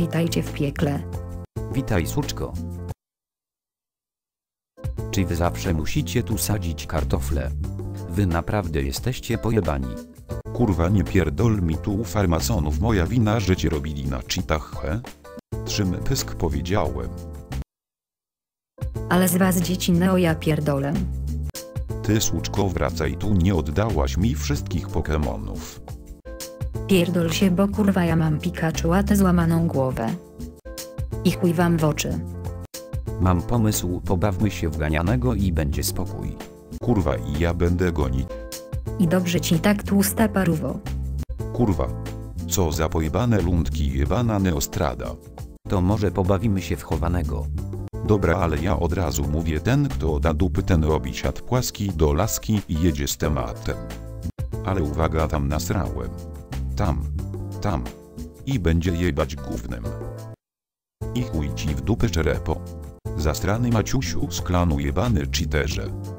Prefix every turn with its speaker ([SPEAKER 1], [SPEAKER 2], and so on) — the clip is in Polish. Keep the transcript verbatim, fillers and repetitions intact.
[SPEAKER 1] witajcie w piekle.
[SPEAKER 2] Witaj, suczko. Czy wy zawsze musicie tu sadzić kartofle? Wy naprawdę jesteście pojebani.
[SPEAKER 3] Kurwa, nie pierdol mi tu farmasonów, moja wina, że cię robili na cheatach, he? Trzym pysk powiedziałem.
[SPEAKER 1] Ale z was dzieci neo ja pierdolę.
[SPEAKER 3] Ty suczko, wracaj tu, nie oddałaś mi wszystkich Pokemonów.
[SPEAKER 1] Pierdol się, bo kurwa ja mam Pikachu, a tę złamaną głowę. I chuj wam w oczy.
[SPEAKER 2] Mam pomysł, pobawmy się w ganianego i będzie spokój.
[SPEAKER 3] Kurwa, i ja będę gonić.
[SPEAKER 1] I dobrze ci tak, tłusta parówo.
[SPEAKER 3] Kurwa. Co za pojebane lundki, jebana Neostrada.
[SPEAKER 2] To może pobawimy się w chowanego.
[SPEAKER 3] Dobra, ale ja od razu mówię, ten kto da dupy, ten robi siat płaski do laski i jedzie z tematem. Ale uwaga, tam nasrałem. Tam. Tam. I będzie jebać gównem. I chuj ci w dupę, czerepo. Zastrany Maciusiu z klanu, jebany cheaterze.